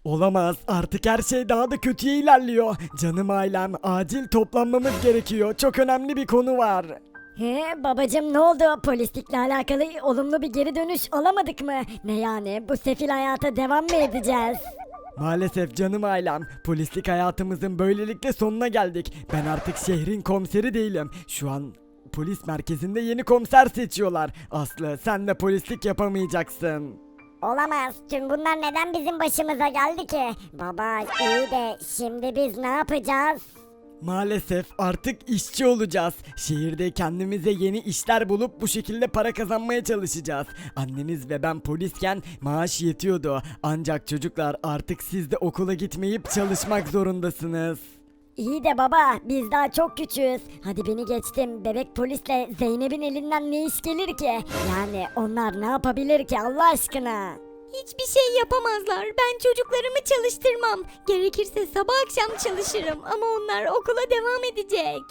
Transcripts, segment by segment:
Olamaz, artık her şey daha da kötüye ilerliyor. Canım ailem, acil toplanmamız gerekiyor. Çok önemli bir konu var. He babacım, ne oldu? Polislikle alakalı olumlu bir geri dönüş alamadık mı? Ne yani, bu sefil hayata devam mı edeceğiz? Maalesef canım ailem, polislik hayatımızın böylelikle sonuna geldik. Ben artık şehrin komiseri değilim. Şu an polis merkezinde yeni komiser seçiyorlar. Aslı, sen de polislik yapamayacaksın. Olamaz. Tüm bunlar neden bizim başımıza geldi ki? Baba iyi de şimdi biz ne yapacağız? Maalesef artık işçi olacağız. Şehirde kendimize yeni işler bulup bu şekilde para kazanmaya çalışacağız. Anneniz ve ben polisken maaş yetiyordu. Ancak çocuklar, artık siz de okula gitmeyip çalışmak zorundasınız. İyi de baba, biz daha çok küçüğüz. Hadi beni geçtim, bebek polisle Zeynep'in elinden ne iş gelir ki? Yani onlar ne yapabilir ki Allah aşkına? Hiçbir şey yapamazlar. Ben çocuklarımı çalıştırmam. Gerekirse sabah akşam çalışırım ama onlar okula devam edecek.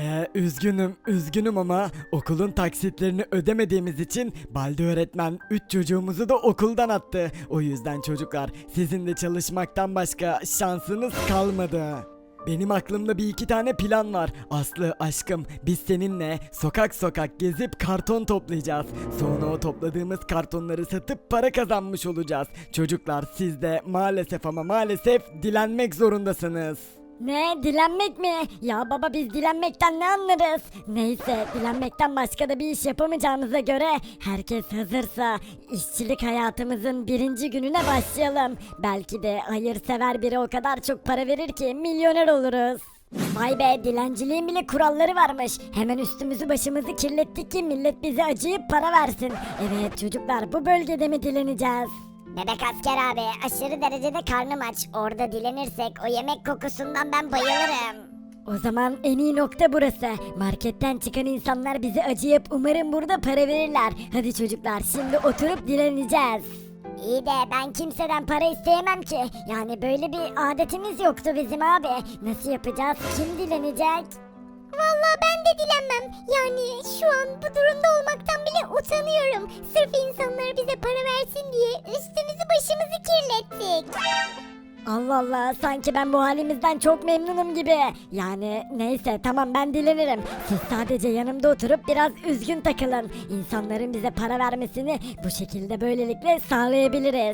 Üzgünüm ama okulun taksitlerini ödemediğimiz için Balde öğretmen 3 çocuğumuzu da okuldan attı. O yüzden çocuklar, sizin de çalışmaktan başka şansınız kalmadı. Benim aklımda bir iki tane plan var. Aslı aşkım, biz seninle sokak sokak gezip karton toplayacağız. Sonra o topladığımız kartonları satıp para kazanmış olacağız. Çocuklar, siz de maalesef ama maalesef dilenmek zorundasınız. Ne, dilenmek mi? Ya baba, biz dilenmekten ne anlarız? Neyse, dilenmekten başka da bir iş yapamayacağımıza göre herkes hazırsa işçilik hayatımızın birinci gününe başlayalım. Belki de hayırsever biri o kadar çok para verir ki milyoner oluruz. Vay be, dilenciliğin bile kuralları varmış. Hemen üstümüzü başımızı kirlettik ki millet bize acıyıp para versin. Evet çocuklar, bu bölgede mi dileneceğiz? Bebek asker abi, aşırı derecede karnım aç. Orada dilenirsek o yemek kokusundan ben bayılırım. O zaman en iyi nokta burası. Marketten çıkan insanlar bize acıyıp umarım burada para verirler. Hadi çocuklar, şimdi oturup dileneceğiz. İyi de ben kimseden para isteyemem ki. Yani böyle bir adetimiz yoktu bizim abi. Nasıl yapacağız? Kim dilenecek? Vallahi ben de dilenmem. Yani şu an bu durumda olmaktan bile utanıyorum. Sırf insanlar bize para versin diye üstümüzü başımızı kirlettik. Allah Allah, sanki ben bu halimizden çok memnunum gibi. Yani neyse, tamam, ben dilenirim. Siz sadece yanımda oturup biraz üzgün takılın. İnsanların bize para vermesini bu şekilde böylelikle sağlayabiliriz.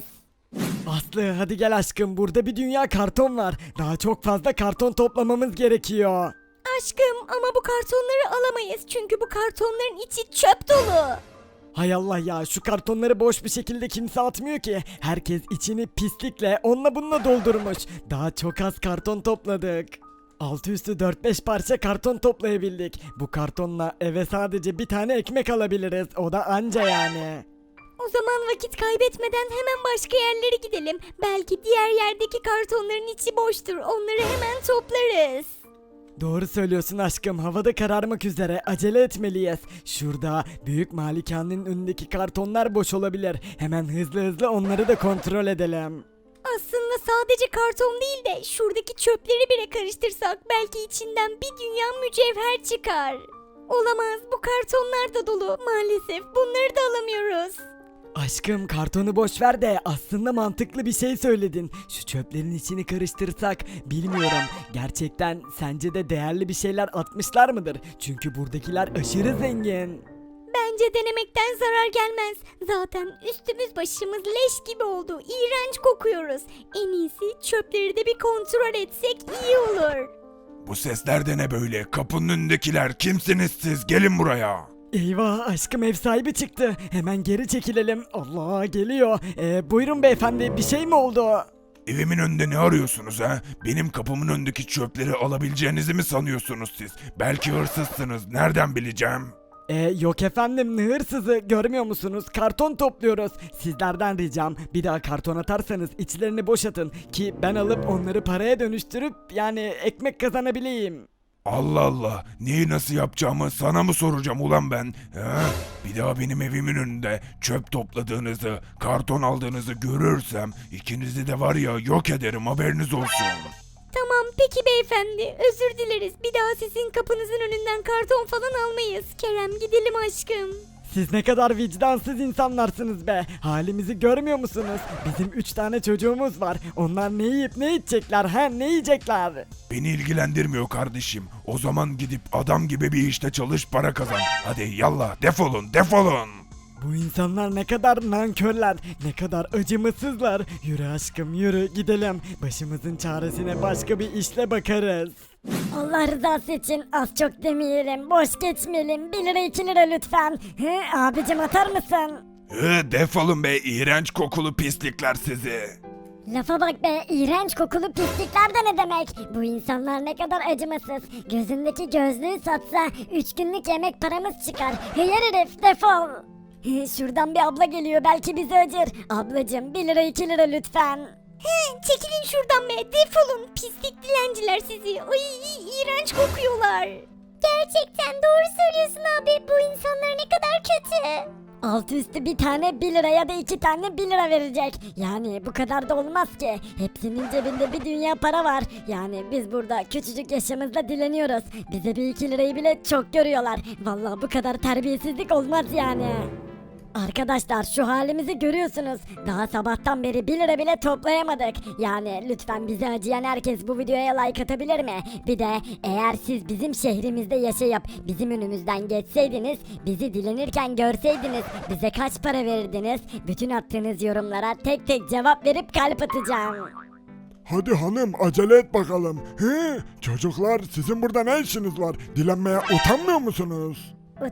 Aslı, hadi gel aşkım, burada bir dünya karton var. Daha çok fazla karton toplamamız gerekiyor. Aşkım ama bu kartonları alamayız çünkü bu kartonların içi çöp dolu. Hay Allah ya, şu kartonları boş bir şekilde kimse atmıyor ki. Herkes içini pislikle onunla bununla doldurmuş. Daha çok az karton topladık. Altı üstü 4-5 parça karton toplayabildik. Bu kartonla eve sadece bir tane ekmek alabiliriz. O da anca yani. O zaman vakit kaybetmeden hemen başka yerlere gidelim. Belki diğer yerdeki kartonların içi boştur. Onları hemen toplarız. Doğru söylüyorsun aşkım, havada kararmak üzere, acele etmeliyiz. Şurada büyük malikanenin önündeki kartonlar boş olabilir. Hemen hızlı onları da kontrol edelim. Aslında sadece karton değil de şuradaki çöpleri bile karıştırsak belki içinden bir dünya mücevher çıkar. Olamaz, bu kartonlar da dolu. Maalesef bunları da alamıyoruz. Aşkım, kartonu boş ver de aslında mantıklı bir şey söyledin. Şu çöplerin içini karıştırsak, bilmiyorum. Gerçekten sence de değerli bir şeyler atmışlar mıdır? Çünkü buradakiler aşırı zengin. Bence denemekten zarar gelmez. Zaten üstümüz başımız leş gibi oldu. İğrenç kokuyoruz. En iyisi çöpleri de bir kontrol etsek iyi olur. Bu sesler de ne böyle? Kapının önündekiler kimsiniz siz? Gelin buraya. Eyvah, aşkım ev sahibi çıktı. Hemen geri çekilelim. Allah, geliyor. Buyurun beyefendi, bir şey mi oldu? Evimin önünde ne arıyorsunuz ha? Benim kapımın önündeki çöpleri alabileceğinizi mi sanıyorsunuz siz? Belki hırsızsınız. Nereden bileceğim? Yok efendim, ne hırsızı, görmüyor musunuz? Karton topluyoruz. Sizlerden ricam, bir daha karton atarsanız içlerini boşaltın ki ben alıp onları paraya dönüştürüp yani ekmek kazanabileyim. Allah Allah. Neyi nasıl yapacağımı sana mı soracağım ulan ben? Ha? Bir daha benim evimin önünde çöp topladığınızı, karton aldığınızı görürsem ikinizi de var ya yok ederim, haberiniz olsun. Tamam peki beyefendi, özür dileriz. Bir daha sizin kapınızın önünden karton falan almayız. Kerem, gidelim aşkım. Siz ne kadar vicdansız insanlarsınız be. Halimizi görmüyor musunuz? Bizim 3 tane çocuğumuz var. Onlar ne yiyip ne içecekler ne yiyecekler? Beni ilgilendirmiyor kardeşim. O zaman gidip adam gibi bir işte çalış, para kazan. Hadi yallah, defolun defolun. Bu insanlar ne kadar nankörler, ne kadar acımasızlar. Yürü aşkım yürü gidelim. Başımızın çaresine başka bir işle bakarız. Allah rızası için az çok demeyelim, boş geçmeyelim. 1 lira 2 lira lütfen. Abicim atar mısın? Defolun be, iğrenç kokulu pislikler sizi. Lafa bak be, iğrenç kokulu pislikler de ne demek? Bu insanlar ne kadar acımasız. Gözündeki gözlüğü satsa 3 günlük yemek paramız çıkar. Hıyar herif defol. Şuradan bir abla geliyor, belki bizi acır. Ablacım 1 lira 2 lira lütfen. Çekilin şuradan be, defolun pislik dilenciler sizi. Ay iğrenç kokuyorlar. Gerçekten doğru söylüyorsun abi. Bu insanlar ne kadar kötü. Altı üstü bir tane 1 lira ya da 2 tane 1 lira verecek. Yani bu kadar da olmaz ki. Hepsinin cebinde bir dünya para var. Yani biz burada küçücük yaşımızda dileniyoruz. Bize bir 2 lirayı bile çok görüyorlar. Vallahi bu kadar terbiyesizlik olmaz yani. Arkadaşlar şu halimizi görüyorsunuz. Daha sabahtan beri 1 lira bile toplayamadık. Yani lütfen bize acıyan herkes bu videoya like atabilir mi? Bir de eğer siz bizim şehrimizde yaşayıp bizim önümüzden geçseydiniz, bizi dilenirken görseydiniz, bize kaç para verirdiniz? Bütün attığınız yorumlara tek tek cevap verip kalp atacağım. Hadi hanım acele et bakalım. Çocuklar sizin burada ne işiniz var? Dilenmeye utanmıyor musunuz?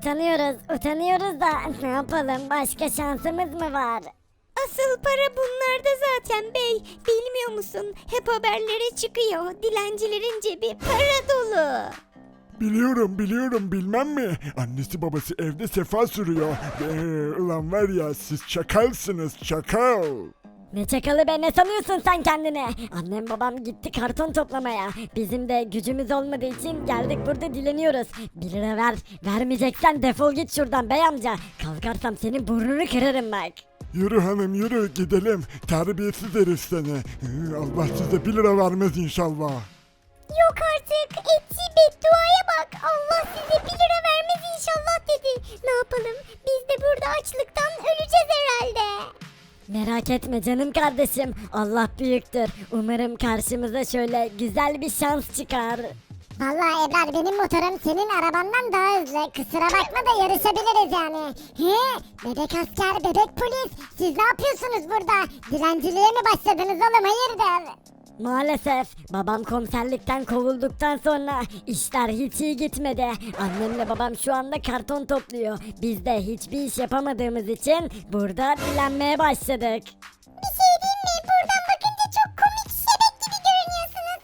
Utanıyoruz da ne yapalım, başka şansımız mı var? Asıl para bunlarda zaten bey. Bilmiyor musun? Hep haberlere çıkıyor. Dilencilerin cebi para dolu. Biliyorum bilmem mi? Annesi babası evde sefa sürüyor. Ulan var ya siz çakalsınız çakal. Ne çakalı be, ne sanıyorsun sen kendini? Annem babam gitti karton toplamaya. Bizim de gücümüz olmadığı için geldik burada dileniyoruz. 1 lira ver. Vermeyeceksen defol git şuradan bey amca. Kalkarsam senin burnunu kırarım bak. Yürü hanım yürü gidelim. Terbiyesiz herif seni. Allah size 1 lira vermez inşallah. Yok artık. Ettiği bedduaya bak. Allah size 1 lira vermez inşallah dedi. Ne yapalım? Biz de burada açlıktan öleceğiz herhalde. Merak etme canım kardeşim. Allah büyüktür. Umarım karşımıza şöyle güzel bir şans çıkar. Vallahi Ebrar benim motorum senin arabandan daha hızlı. Kusura bakma da yarışabiliriz yani. Bebek asker, bebek polis. Siz ne yapıyorsunuz burada? Dilenciliğe mi başladınız oğlum hayırdır? Maalesef babam komiserlikten kovulduktan sonra işler hiç iyi gitmedi. Annemle babam şu anda karton topluyor. Biz de hiçbir iş yapamadığımız için burada dilenmeye başladık. Bir şey diyeyim mi? Buradan bakınca çok komik şebek gibi görünüyorsunuz.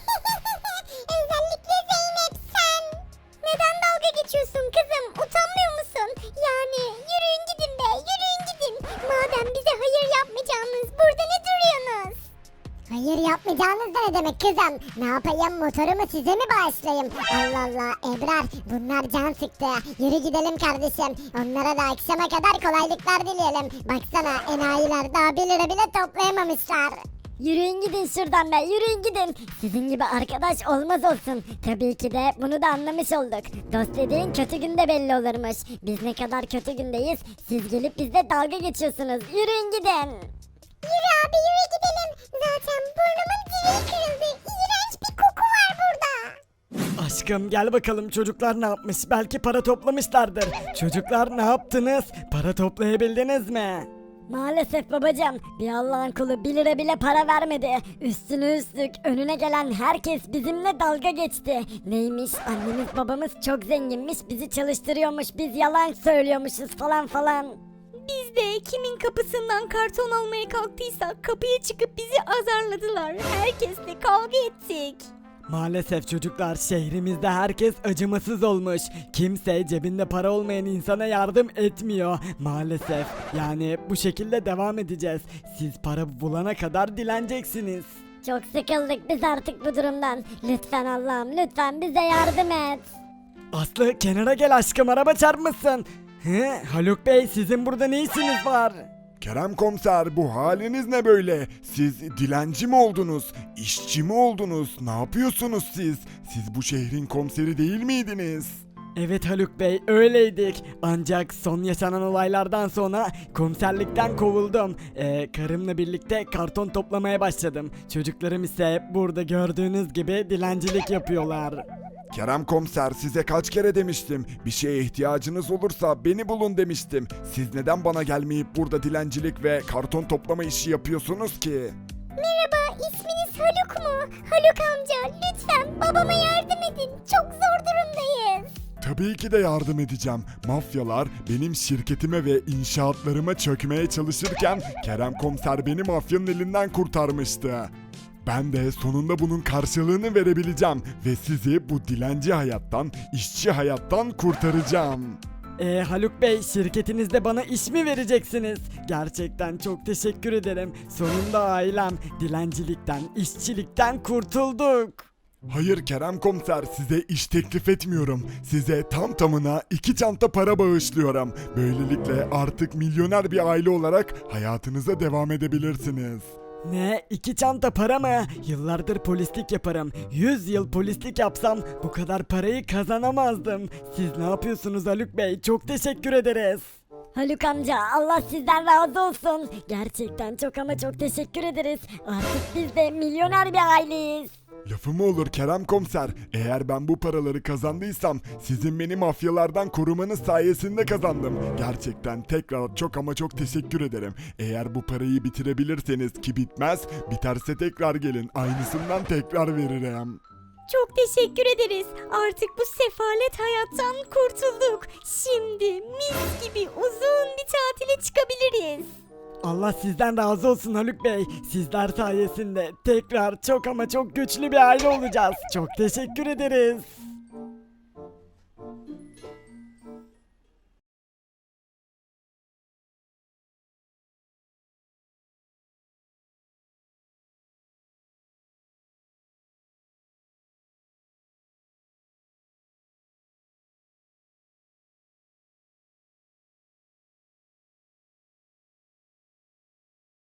Özellikle Zeynep sen. Neden dalga geçiyorsun kızım? Utanmıyor musun? Yani yürüyün gidin be, yürüyün gidin. Madem bize hayır yapmayacağınız, burada ne duruyorsunuz? Hayır yapmayacağınız da ne demek kızım? Ne yapayım, motorumu size mi bağışlayayım? Allah Allah Ebrar, bunlar can sıktı. Yürü gidelim kardeşim. Onlara da akşama kadar kolaylıklar dileyelim. Baksana enayiler daha 1 lira bile toplayamamışlar. Yürüyün gidin şuradan be, yürüyün gidin. Sizin gibi arkadaş olmaz olsun. Tabii ki de bunu da anlamış olduk. Dost dediğin kötü günde belli olurmuş. Biz ne kadar kötü gündeyiz, siz gelip bizle dalga geçiyorsunuz. Yürüyün gidin. Yürü abi yürü gidelim. Zaten burnumun direği kırıldı. İğrenç bir koku var burada. Aşkım gel bakalım, çocuklar ne yapmış? Belki para toplamışlardır. Çocuklar ne yaptınız? Para toplayabildiniz mi? Maalesef babacığım, bir Allah'ın kulu 1 lira bile para vermedi. Üstüne üstlük önüne gelen herkes bizimle dalga geçti. Neymiş, annemiz babamız çok zenginmiş, bizi çalıştırıyormuş, biz yalan söylüyormuşuz falan falan. Biz de kimin kapısından karton almaya kalktıysak kapıya çıkıp bizi azarladılar. Herkesle kavga ettik. Maalesef çocuklar, şehrimizde herkes acımasız olmuş. Kimse cebinde para olmayan insana yardım etmiyor. Maalesef. Yani bu şekilde devam edeceğiz. Siz para bulana kadar dileneceksiniz. Çok sıkıldık biz artık bu durumdan. Lütfen Allah'ım, lütfen bize yardım et. Aslı kenara gel aşkım, araba çarpmasın. Haluk Bey, sizin burada ne işiniz var? Kerem komiser bu haliniz ne böyle? Siz dilenci mi oldunuz? İşçi mi oldunuz? Ne yapıyorsunuz siz? Siz bu şehrin komiseri değil miydiniz? Evet Haluk Bey, öyleydik. Ancak son yaşanan olaylardan sonra komiserlikten kovuldum. Karımla birlikte karton toplamaya başladım. Çocuklarım ise burada gördüğünüz gibi dilencilik yapıyorlar. Kerem komiser, size kaç kere demiştim. Bir şeye ihtiyacınız olursa beni bulun demiştim. Siz neden bana gelmeyip burada dilencilik ve karton toplama işi yapıyorsunuz ki? Merhaba, isminiz Haluk mu? Haluk amca, lütfen babama yardım edin. Çok zor durumdayız. Tabii ki de yardım edeceğim. Mafyalar benim şirketime ve inşaatlarıma çökmeye çalışırken Kerem komiser beni mafyanın elinden kurtarmıştı. Ben de sonunda bunun karşılığını verebileceğim ve sizi bu dilenci hayattan, işçi hayattan kurtaracağım. Haluk Bey, şirketinizde bana iş mi vereceksiniz? Gerçekten çok teşekkür ederim. Sonunda ailem dilencilikten, işçilikten kurtulduk. Hayır Kerem komiser, size iş teklif etmiyorum. Size tam tamına 2 çanta para bağışlıyorum. Böylelikle artık milyoner bir aile olarak hayatınıza devam edebilirsiniz. Ne? 2 çanta para mı? Yıllardır polislik yaparım. 100 yıl polislik yapsam bu kadar parayı kazanamazdım. Siz ne yapıyorsunuz Haluk Bey? Çok teşekkür ederiz. Haluk amca Allah sizden razı olsun. Gerçekten çok ama çok teşekkür ederiz. Artık biz de milyoner bir aileyiz. Lafı mı olur Kerem komiser? Eğer ben bu paraları kazandıysam sizin beni mafyalardan korumanız sayesinde kazandım. Gerçekten tekrar çok ama çok teşekkür ederim. Eğer bu parayı bitirebilirseniz ki bitmez, biterse tekrar gelin. Aynısından tekrar veririm. Çok teşekkür ederiz. Artık bu sefalet hayattan kurtulduk. Şimdi mis gibi uzun bir tatile çıkabiliriz. Allah sizden razı olsun Haluk Bey. Sizler sayesinde tekrar çok ama çok güçlü bir aile olacağız. Çok teşekkür ederiz.